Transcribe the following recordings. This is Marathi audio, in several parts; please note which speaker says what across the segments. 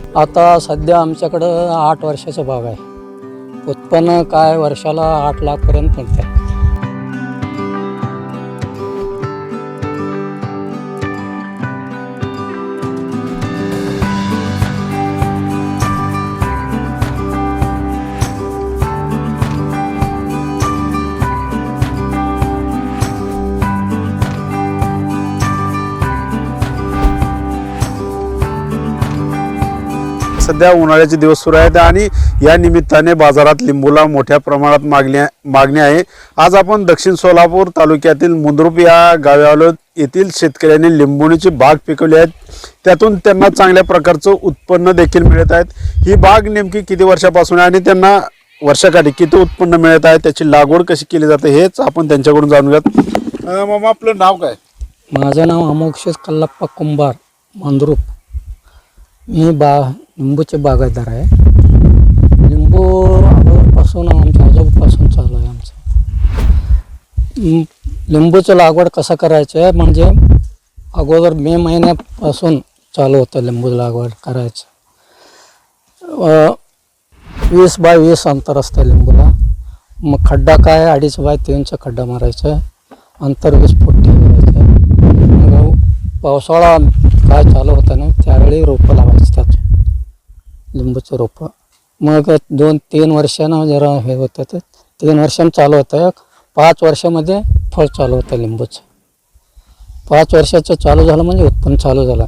Speaker 1: आता सध्या आमच्याकडं 8 वर्षाचा बाग आहे. उत्पन्न काय वर्षाला 8 लाखपर्यंत मिळते.
Speaker 2: सध्या उन्हाळ्याचे दिवस सुरू आहेत आणि या निमित्ताने बाजारात लिंबूला मोठ्या प्रमाणात मागणी आहे. आज आपण दक्षिण सोलापूर तालुक्यातील मुंद्रुप या गावी आलो. येथील शेतकऱ्यांनी लिंबूची बाग पिकवली आहे. त्यातून त्यांना चांगल्या प्रकारचं उत्पन्न देखील मिळत आहे. ही बाग नेमकी किती वर्षापासून आहे आणि त्यांना वर्षाकाठी किती उत्पन्न मिळत आहे, त्याची लागवड कशी केली जाते हेच आपण त्यांच्याकडून जाणून घेऊयात. मामा, आपलं नाव काय?
Speaker 1: माझं नाव अमोक्षेश कल्लप्पा कुंभार, मुंद्रुप. मी लिंबूचे बागायतदार आहे. लिंबू अगोदरपासून आमच्या आजोबापासून चालू आहे आमचं. लिंबूचं लागवड कसं करायचं आहे म्हणजे अगोदर मे महिन्यापासून चालू होतं लिंबू लागवड करायचं. 20 बाय 20 अंतर असतं लिंबूला. मग खड्डा काय 2.5 बाय 3चा खड्डा मारायचा, अंतर 20 फूट ठेवायचं. मग पावसाळा काय चालू होतं ना त्यावेळी रोपं लावायचं त्यात, लिंबूचं रोपं. मग 2-3 वर्षानं जरा हे होतं, ते 3 वर्षांनी चालू होतं. 5 वर्षामध्ये फळ चालू होतं लिंबूचं. 5 वर्षाचं चालू झालं म्हणजे उत्पन्न चालू झालं.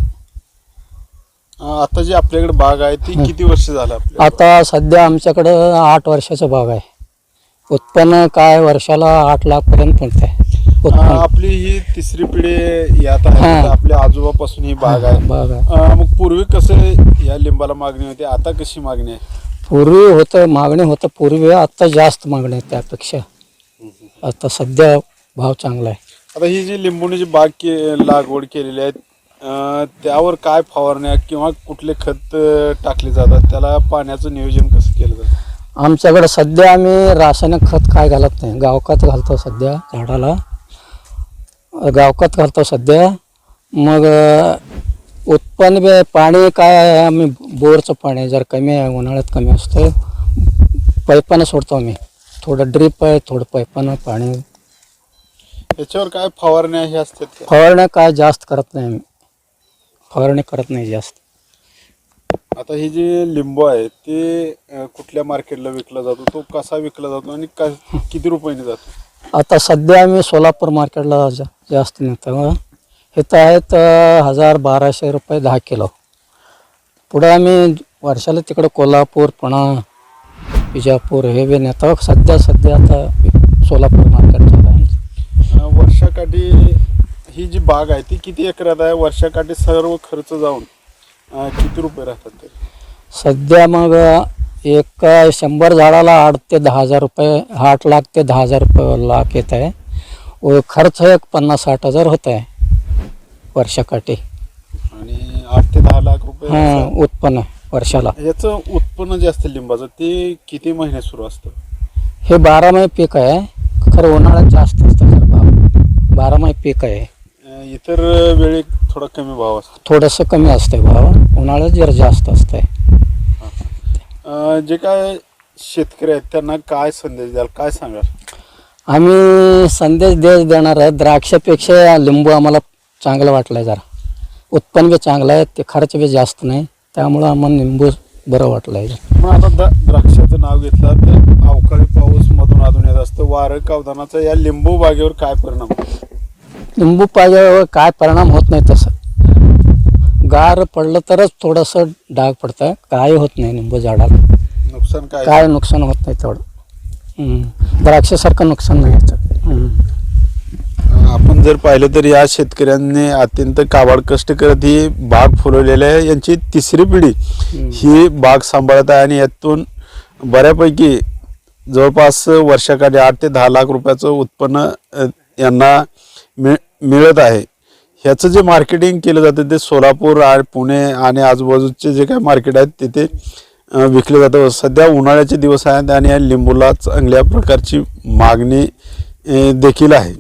Speaker 2: आता जी आपल्याकडे बाग आहे ती किती वर्ष झालं?
Speaker 1: आता सध्या आमच्याकडं 8 वर्षाचा बाग आहे. उत्पन्न काय वर्षाला 8 लाखपर्यंत मिळते.
Speaker 2: आपली ही तिसरी पिढी यात आहे. आपल्या आजोबापासून ही बाग आहे. मग पूर्वी कसं या लिंबाला मागणी होती, आता कशी मागणी आहे?
Speaker 1: पूर्वी होतं मागणी होतं पूर्वी, आता जास्त मागणी आहे त्यापेक्षा. आता सध्या भाव चांगला आहे.
Speaker 2: आता ही जी लिंबूची बाग लागवड केलेली आहे त्यावर काय फवारण्या किंवा कुठले खत टाकले जातात, त्याला पाण्याचं नियोजन कसं केलं जातं?
Speaker 1: आमच्याकडे सध्या आम्ही रासायनिक खत काय घालत नाही, गावखत घालतो सध्या. झाडाला गावखत घालतो सध्या. मग उत्पन्न बी पाणी काय आहे, आम्ही बोरचं पाणी जर कमी आहे, उन्हाळ्यात कमी असतं, पाईपानं सोडतो आम्ही. थोडं ड्रीप आहे, थोडं पाईपानं पाणी.
Speaker 2: त्याच्यावर काय फवारण्या हे असतात?
Speaker 1: फवारण्या काय जास्त करत नाही आम्ही, फवारणी करत नाही जास्त.
Speaker 2: आता ही जी लिंबू आहे ते कुठल्या मार्केटला विकला जातो, तो कसा विकला जातो आणि किती रुपयाने जातो?
Speaker 1: आता सध्या आम्ही सोलापूर मार्केटला जास्त नेतो. इथं आहेत 1000-1200 रुपये 10 किलो. पुढं आम्ही वर्षाला तिकडं कोल्हापूर, पुणा, विजापूर हे बी नेतो. सध्या आता सोलापूर मार्केट चालू आहे.
Speaker 2: वर्षाकाठी ही जी बाग आहे ती किती एकरात आहे? वर्षाकाठी सर्व खर्च जाऊन किती रुपये राहतात ते?
Speaker 1: सध्या मग 100 झाडाला 8 ते 10 हजार रुपये, 8 लाख ते 10 हजार रुपये लाख येत आहे. व खर्च 50-60 हजार होत आहे वर्षाकाठी.
Speaker 2: आणि 8 ते 10 लाख रुपये
Speaker 1: उत्पन्न वर्षाला.
Speaker 2: याचं उत्पन्न जे असतं लिंबाचं ते किती महिने सुरू असतं?
Speaker 1: हे 12 महिने पीक आहे. खरं उन्हाळ्यात जास्त असतं सर भाव. 12 महिने पीक आहे.
Speaker 2: इतर वेळी थोडा कमी भाव असतो?
Speaker 1: थोडंसं कमी असतंय भाव, उन्हाळ्यात जरा जास्त असतंय.
Speaker 2: जे काय शेतकरी आहेत त्यांना काय संदेश द्याल, काय सांगाल?
Speaker 1: आम्ही संदेश देणार आहे, द्राक्षापेक्षा लिंबू आम्हाला चांगलं वाटलं आहे. जरा उत्पन्न बी चांगलं आहे, ते खर्च बी जास्त नाही, त्यामुळं आम्हाला लिंबू बरं वाटलं आहे.
Speaker 2: मग आता द्राक्षाचं नाव घेतलं तर अवकाळी पाऊस मधून अधून येत असतं, वारं कावदानाचा या लिंबू बागेवर काय परिणाम?
Speaker 1: लिंबू पाहिजे काय परिणाम होत नाही. तसं गार पडलं तरच थोडंसं डाग पडतं, काय होत नाही. लिंबू झाडाला
Speaker 2: नुकसान
Speaker 1: काय नुकसान होत नाही तेवढं. द्राक्षासारखं नुकसान नाही याचं.
Speaker 2: आपण जर पाहिलं तर या शेतकऱ्यांनी अत्यंत काबाड कष्ट करत ही बाग फुलवलेली आहे. यांची तिसरी पिढी ही बाग सांभाळत आहे आणि यातून बऱ्यापैकी जवळपास वर्षाकाठी 8 ते 10 लाख रुपयाचं उत्पन्न यांना मिळत आहे. ह्याचं जे मार्केटिंग केलं जातं ते सोलापूर आणि पुणे आणि आजूबाजूचे जे काही मार्केट आहेत तिथे विकलं जातं. सध्या उन्हाळ्याचे दिवस आहेत आणि या लिंबूला चांगल्या प्रकारची मागणी देखील आहे.